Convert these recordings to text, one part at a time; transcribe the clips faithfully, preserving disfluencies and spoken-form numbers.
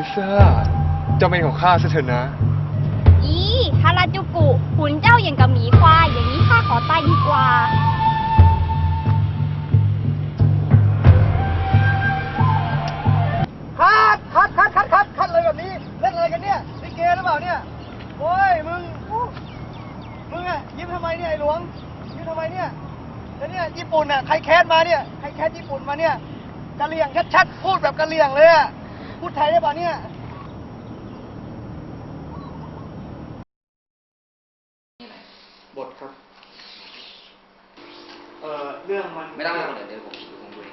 เซอร์เจ้าเป็นของข้าซะเถอะนะอีฮาราจูกุขุนเจ้าอย่างกับหมีควายอย่างนี้ข้าขอตายดีกว่าคัดคัดคัดคัดคัดคัดเลยแบบนี้เล่นอะไรกันเนี่ยลิเกหรือเปล่าเนี่ยโอ้ยมึงมึงอะยิ้มทำไมเนี่ยไอ้หลวงยิ้มทำไมเนี่ยแล้วเนี่ยญี่ปุ่นอะใครแคสมาเนี่ยใครแคสญี่ปุ่นมาเนี่ยกะเหรี่ยงชัดๆพูดแบบกะเหรี่ยงเลยอะพูดไทยได้ป่ะเนี่ยบทครับเออเรื่องมันไม่ต้องไม่ต้องเดี๋ยวเดี๋ยวผมผมดูเอง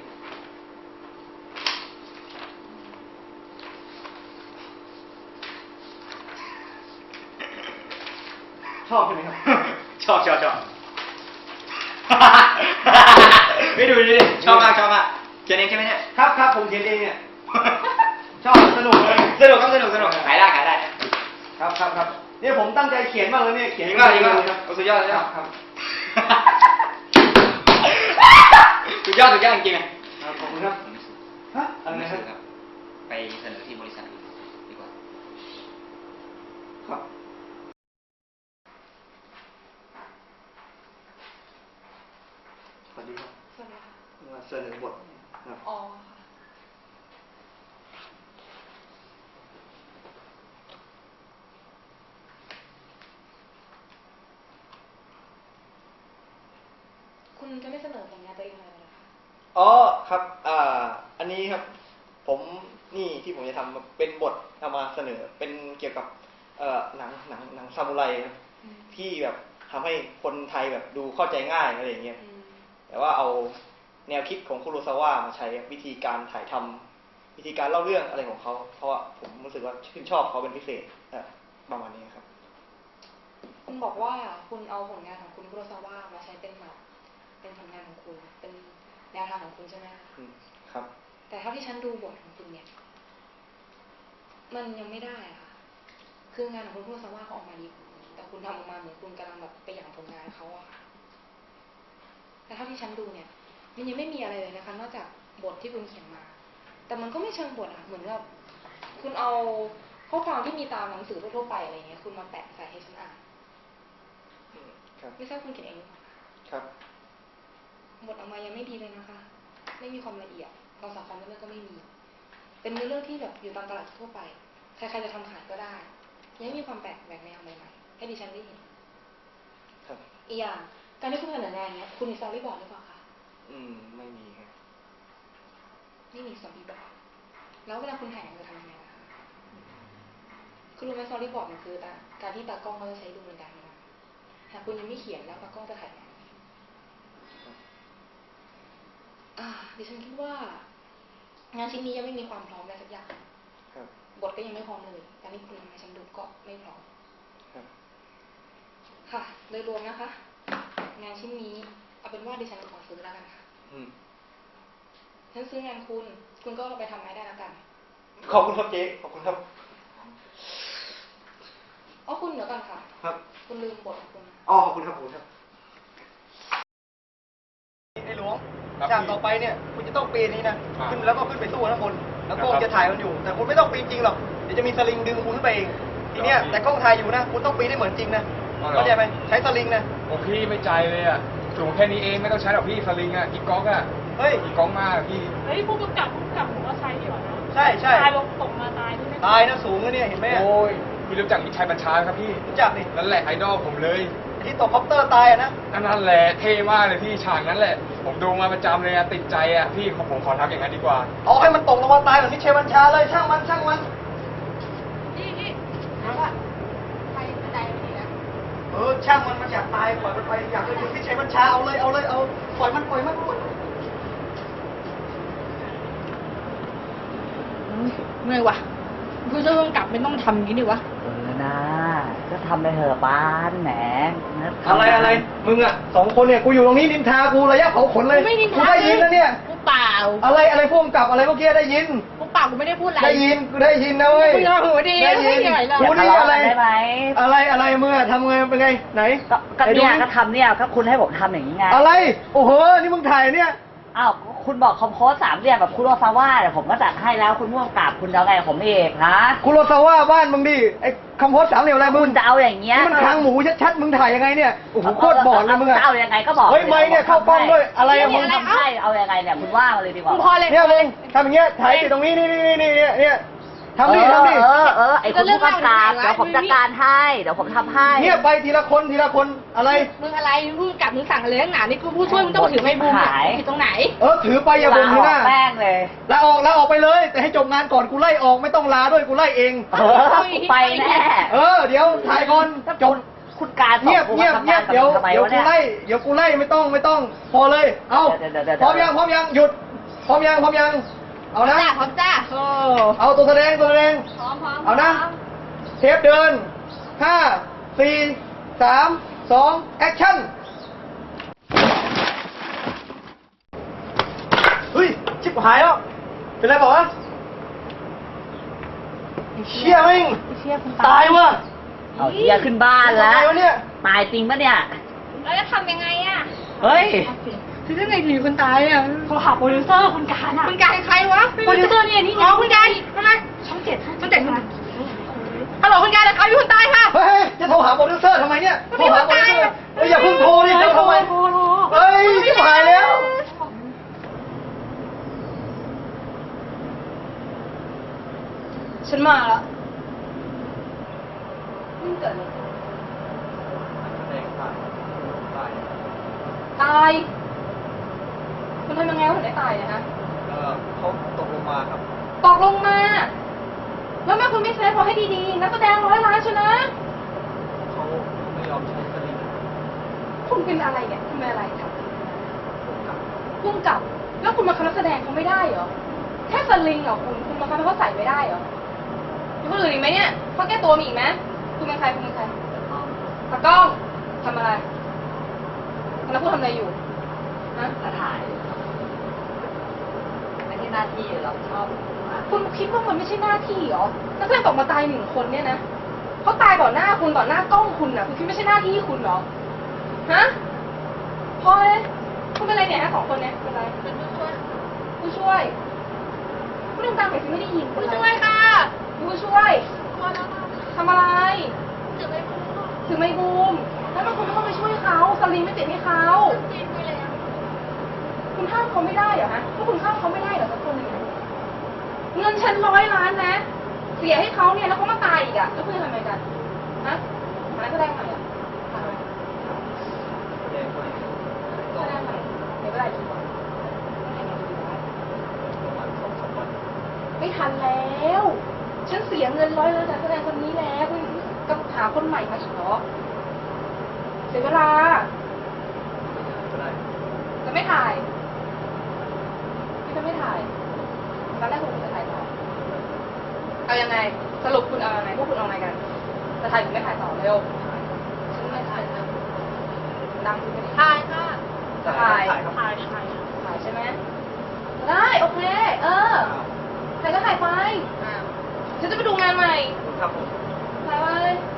ชอบใช่ไหมครับชอบชอบชอบไม่ดูดิชอบมากชอบมากเขียนเองใช่ไหมเนี่ยครับครับผมเขียนเองเนี่ยชอบสนุกเลยสนุกครับสนุกสนุกขายได้ขายได้ครับครับครับเนี่ยผมตั้งใจเขียนมากเลยเนี่ยเขียนจริงมากจริงมากสุดยอดเลยครับครับสุดยอดสุดยอดจริงๆอ่ะขอบคุณครับฮะอะไรนะครับไปเสนอที่บริษัทดีกว่าครับสวัสดีครับสวัสดีค่ะมาเสนอบทครับอ๋อคุณจะไม่เสนอผลงานตัวเองเลยเหรอคะอ๋อครับอ่าอันนี้ครับผมนี่ที่ผมจะทำเป็นบทเอามาเสนอเป็นเกี่ยวกับเอ่อหนังหนังหนังซามูไรครับที่แบบทำให้คนไทยแบบดูเข้าใจง่ายอะไรอย่างเงี้ยแต่ว่าเอาแนวคิดของคุโรซาวะมาใช้วิธีการถ่ายทำวิธีการเล่าเรื่องอะไรของเขาเพราะว่าผมรู้สึกว่าชื่นชอบเขาเป็นพิเศษประมาณนี้ครับคุณบอกว่าคุณเอาผลงานของคุณคุโรซาวะมาใช้เป็นแบบเป็นผลงานของคุณเป็นแนวทางของคุณใช่ไหมครับแต่เท่าที่ฉันดูบทของคุณเนี่ยมันยังไม่ได้อะค่ะคืองานของคุณคุโรซาวะเขาออกมาดีแต่คุณทำออกมาเหมือนคุณกำลังแบบไปหยั่งผลงานเขาอะค่ะแต่เท่าที่ฉันดูเนี่ยมันยังไม่มีอะไรเลยนะคะนอกจากบทที่คุณเขียนมาแต่มันก็ไม่เชิงบทอะเหมือนกับคุณเอาข้อความที่มีตามหนังสือทั่วๆไปอะไรเงี้ยคุณมาแปะใส่ให้ฉันอ่านไม่ทราบคุณเขียนเองหรือเปล่าครับบทออกมายังไม่ดีเลยนะคะไม่มีความละเอียดความสำคัญเรื่องก็ไม่มีเป็นเรื่องที่แบบอยู่ตามตลาดทั่วไปใครๆจะทำขายก็ได้ยังไม่มีความแปลกแหวกแนวใหม่ๆให้ดิฉันได้เห็นครับอีกอย่างการที่คุณเสนองานเนี้ยคุณมีสตอรี่บอร์ดหรือเปล่าคะอืมไม่มีครับไม่มีสตอรี่บอร์ดแล้วเวลาคุณถ่ายงานจะทำยังไงนะคะคุณรู้ไหมสตอรี่บอร์ดมันคือการที่ตากล้องเขาจะใช้ดูในการทำงานหากคุณยังไม่เขียนแล้วตากล้องจะถ่ายงานอ่าดิฉันคิดว่างานชิ้นนี้ยังไม่มีความพร้อมอะไรสักอย่างบทก็ยังไม่พร้อมเลยการที่คุณทำให้ฉันดูก็ไม่พร้อมค่ะโดยรวมนะคะงานชิ้นนี้เอาเป็นว่าดิฉันขอซื้อแล้วกันค่ะฉันซื้องานคุณคุณก็ไปทำไม้ได้แล้วกันขอบคุณครับเจ๊ขอบคุณครับอ๋อคุณเดี๋ยวก่อนค่ะครับคุณลืมบทของคุณอ๋อขอบคุณครับผมครับไอ้หลวงจากต่อไปเนี่ยคุณจะต้องปีนนี้นะขึ้นแล้วก็ขึ้นไปสู้ข้างบนแล้วกล้องจะถ่ายมันอยู่แต่คุณไม่ต้องปีนจริงหรอกเดี๋ยวจะมีสลิงดึงคุณขึ้นไปเองทีเนี้ยแต่กล้องถ่ายอยู่นะคุณต้องปีนได้เหมือนจริงนะเข้าใจไหมใช้สลิงนะโอ้พี่ไม่ใจเลยอ่ะสูงแค่นี้เองไม่ต้องใช้หรอกพี่สลิงอ่ะอีกก๊อกอ่ะเฮ้ยอีกก๊อกมากพี่เฮ้ยพวกกำกับพวกกำกับผมว่าใช้ดีกว่านะใช่ใช่ตายลงตกมาตายนี่ไม่ตายนะสูงนะเนี่ยเห็นไหมโอ้ยพี่รู้จักมิตรชัยบัญชาครับพี่รู้จักนี่นั่นแหละไอดอลผมเลยที่ตกคอปเตอร์ตายอ่ะนะนั่นแหละเท่มากเลยพี่ฉากนั้นแหละผมดูมาประจำเลยอะติดใจอะพี่ผมขอทักอย่างนั้นดีกว่าเอาให้มันตกลงมาตายแบบมิตรชัยบัญชาเลยช่างมันช่างมันนี่นี่ถามว่าไปใจมันนะเออช่างมันมันอยากตายปล่อยมันไปอยากเป็นมิตรชัยบัญชาเอาเลยเอาเลยเอาปล่อยมันปล่อยมันเมื่อยวะผู้ช่วยผู้กำกับไม่ต้องทำอย่างนี้ดิวะเออนะก็ทำไปเถอะปานแหมอะไรอะไรมึงอ่ะสองคนเนี่ยกูอยู่ตรงนี้นินทากูระยะเผาขนเลยกูได้ยินนะเนี่ยกูเปล่าอะไรอะไรพวกกับอะไรเมื่อกี้ได้ยินกูเปล่ากูไม่ได้พูดอะไรได้ยินกูได้ยินนะเว้ยกูยอมหูดีได้ยินกูนี่อะไรอะไรอะไรมึงอะทำไงเป็นไงไหนก็เนี่ยก็ทำเนี่ยก็คุณให้ผมทำอย่างนี้ไงอะไรโอ้โหนี่มึงถ่ายเนี่ยอ้าวคุณบอกคอมโพสสามเหลี่ยมแบบคุโรซาวะแต่ผมก็จัดให้แล้วคุณม่วงกราบคุณจะเอาไงกับผมเองฮะคุโรซาวะบ้านมึงดิไอ้คำโพสสามเหลี่ยมอะไรมึคุงณจะเอาอย่างเงี้ยนี่มันคางหมูชัดๆมึงถ่ายยังไงเนี่ยโอ้โหโคตรบอดเลยมึงอะจะเอายังไงก็บอกเฮ้ยไม่เนี่ยเข้ากล้องด้วยอะไรอะมึงทำให้เอายังไงเนี่ยคุณว่ามาเลยดีกว่ามึงพอเลยเนี่ยมึงทำอย่างเงี้ยถ่ายติดตรงนี้นี่นี่นี่นี่เนี่ยเนี่ยทำดิทำดิเออเออไอ้คุณผู้กำกับเดี๋ยวผมจัดการให้เดี๋ยวผมทำให้เนี่ยไปทีละคนทีละคนอะไรมึงอะไรมึงกลับมึงสั่งอะไรนักหนานี่กูผู้ช่วยมึงต้องถือไม้บูมเนี่ยหายผิดตรงไหนเออถือไปอย่าบ่นทีหน้าแป้งเลยลาออกลาออกไปเลย แต่ให้จบงานก่อนกูไล่ออกไม่ต้องลาด้วยกูไล่เองเออไปแน่เออเดี๋ยวถ่ายก่อนจบคุณการสอเงียบผมเงียบมาทำเงีงาย นบกับเดี๋ยวผมทำไมเดี๋ยววะกูเนี่ยไล่เดี๋ยวกูไล่ไม่ต้องไม่ต้อง พอเลย เอาเดี๋ยวเดี๋ยวเดี๋ยวพร้อมยังพร้อมยังหยุดพร้อมยังพร้อมยังเอานะจ้าพร้อมจ้าโอ้เอาตัวแสดงตัวแสดงพร้อมพร้อมเอานะเทปเดินห้าสี่สามสองแอคชั่นเฮ้ยชิบหายแล้วเป็นไรบอกวะเชี่ยมิ่งเชี่ยคุณตายวะเอาเฮียขึ้นบ้านแล้วตายวะเนี่ยตายจริงปะเนี่ยแล้วจะทำยังไงอะเฮ้ยคือยังไงถึงคนตายอ่ะโทรหาโปรดิวเซอร์คุณการอะคุณการใครวะโปรดิวเซอร์เนี่ยนี่ไงอ๋อคุณการทำไมช่องเจ็ดช่องเจ็ดฮัลโหลคุณการนะครับมีคนตายค่ะเฮ้ยจะโทรหาโปรดิวเซอร์ทำไมเนี่ยโทรหาโปรดิวเซอร์เฮ้ยอย่าเพิ่งโทรดิจะทำไมโทรโทรเฮ้ยชิบหายแล้วฉันมาแล้วนี่เกิดอะไรตายมันทำยังไงวะถึงได้ตายเนี่ยฮะเออเขาตกลงมาครับตกลงมา แล้วแม่คุณไม่เซฟพอให้ดีๆนักแสดงร้อยล้านชนะเขาไม่ยอมใช้สลิงคุณเป็นอะไรเนี่ยคุณเป็นอะไรครับพุ่งกลับ แล้วคุณมาคณะแสดงเขาไม่ได้เหรอ แค่สลิงเหรอคุณ คุณมาคณะเขาใส่ไม่ได้เหรอมีคนอื่นอีกไหมเนี่ยเขาแก้ตัวมีอีกไหมคุณเป็นใครคุณเป็นใครตากล้องทำอะไรแล้วคุณทำอะไรอยู่ฮะจะถ่ายไม่ใช่หน้าที่เราชอบคุณคิดว่ามันไม่ใช่หน้าที่เหรอนักแสดงตกมาตายหนึ่งคนเนี่ยนะเขาตายต่อหน้าคุณต่อหน้ากล้องคุณน่ะ คุณคิดไม่ใช่หน้าที่คุณเหรอ ฮะพอเลยคุณเป็นอะไรเนี่ยฮะสองคนเนี่ยเป็นอะไรเป็นผู้ช่วยผู้ช่วยผู้ดังดังๆหน่อยสิไม่ได้ยินผู้ช่วยค่ะผู้ช่วยทำอะไรถือไม้บูมถือไม้บูมแล้วมันคุณไม่ต้องไปช่วยเขาสลิงไม่ติดให้เขาติดไปแล้วคุณห้ามเขาไม่ได้เหรอฮะถ้าคุณห้ามเขาไม่ได้เหรอสักคนหนึ่งเงินฉันร้อยล้านนะ เสียให้เขาเนี่ยแล้วเขามาตายอีกอะแล้วคุณจะทำไงกันฮะหาแสดงใหม่อะหาอะไร แสดงใหม่ในเวลากี่วันไม่ทันแล้ว ฉันเสียเงินร้อยแล้วจากแสดงคนนี้แล้วคุณก็หาคนใหม่มาอีกเหรอ เสียเวลา จะไม่ถ่ายพี่จะไม่ถ่ายตอนแรกคุณจะถ่ายต่อ เอายังไง สรุปคุณเอายังไงพวกคุณเอาไงกัน จะถ่ายหรือไม่ถ่ายต่อเร็ว ฉันไม่ถ่ายดังคุณไม่ได้ถ่ายค่ะ ถ่ายถ่ายครับถ่ายถ่ายถ่ายใช่ไหม ได้ โอเค เออ ถ่ายก็ถ่ายไปฉันจะไปดูงานใหม่ครับผมถ่ายไป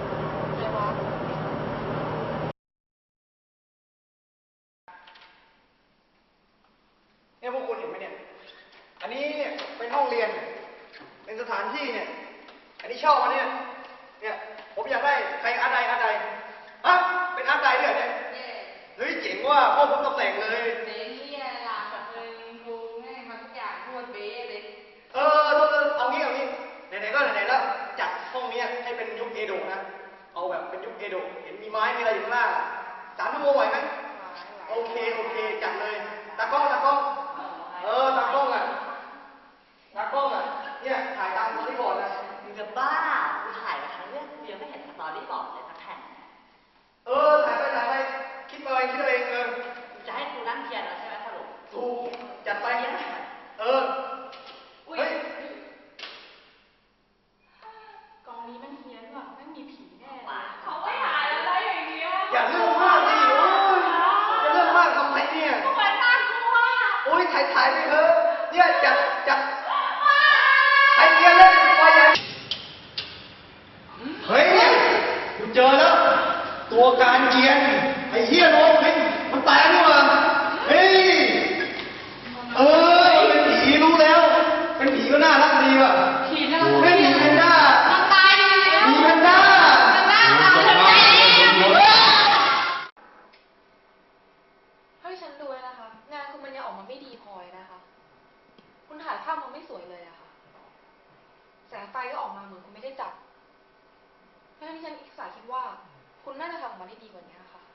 เนี่ยพวกคุณเห็นไหมเนี่ย อันนี้เนี่ยเป็นห้องเรียน เป็นสถานที่เนี่ย อันนี้ชอบอันเนี้ยเนี่ย ผมอยากได้ใครอาร์ตใดอาร์ตใดอ่ะเป็นอาร์ตใดด้วยเหรอเนี่ยเฮ้ยเจ๋งว่ะพ่อผมตำแหน่งเลยเบ๊เฮียล่ะแบบเป็นครูให้ทำทุกอย่างทั่วเบ๊เลยเออเออเอางี้เอางี้ไหนๆก็ไหนๆแล้วจัดห้องเนี้ยให้เป็นยุคเอโดะนะ เอาแบบเป็นยุคเอโดะเห็นมีไม้มีอะไรอยู่ข้างล่างอะสามชั่วโมงไหวไหมโอเคโอเคจัดเลยตากล้องตากล้องเออตากล้องอ่ะตากล้องอ่ะเนี่ยถ่ายตามสตอรี่บอร์ดนะมึงจะบ้ากูถ่ายมาทั้งเรื่องกูยังไม่เห็นสตอรี่บอร์ดเลยสักแผ่นเออถ่ายไปถ่ายไปคิดเอาเองคิดเอาเองเออมึงจะให้กูนั่งเทียนแล้วใช่ไหมสรุปถูกจัดไปเออเฮ้ยกองนี้มันเฮี้ยนว่ะไม่มีผีแน่เขาไม่ถ่ายอะไรอย่างเงี้ยอย่าเรื่องมากดิโอ้ยจะเรื่องมากทำไมเนี่ยเหมือนน่ากลัวโอ้ยถ่ายถ่ายไปเถอะเนี่ยจัดจัดไอเดียเล่นไฟใหญ่เฮ้ยกูเจอแล้ว ตัวการเจียนไอ้เหี้ยน้องเฮ้ยมันตายนี่หว่าเฮ้ยฉันดูแล้วนะคะ งานคุณมันยังออกมาไม่ดีพอเลยนะคะ คุณถ่ายภาพมันไม่สวยเลยอะค่ะ แสงไฟก็ออกมาเหมือนคุณไม่ได้จับเพราะฉะนั้นที่ฉันอิสาคิดว่า คุณน่าจะทำออกมาได้ดีกว่านี้ค่ะ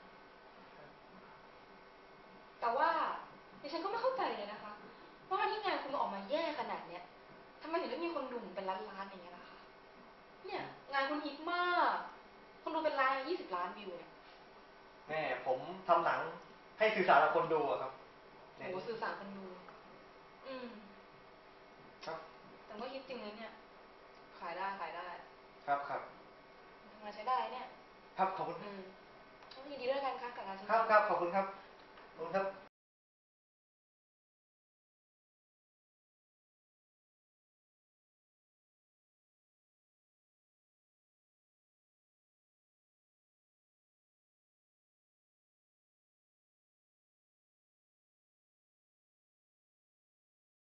แต่ว่าดิฉันก็ไม่เข้าใจเลยนะคะ ว่าที่งานคุณออกมาแย่ขนาดเนี้ยทำไมถึงได้มีคนดูเป็นล้านๆอย่างเงี้ยล่ะคะ เนี่ย งานคุณฮิตมาก คนดูเป็นล้านยี่สิบล้านวิวเนี่ยแม่ผมทำหนังให้สื่อสารกับคนดูอะครับโหสื่อสารคนดู อืมครับแต่ก็ฮิตจริงเลยเนี่ย ขายได้ขายได้ครับครับทำงานใช้ได้เนี่ยครับขอบคุณอืมต้องยินดีด้วยกันค่ะกับงานชิ้นครับนี้ครับขอบคุณครับขอบคุณครับ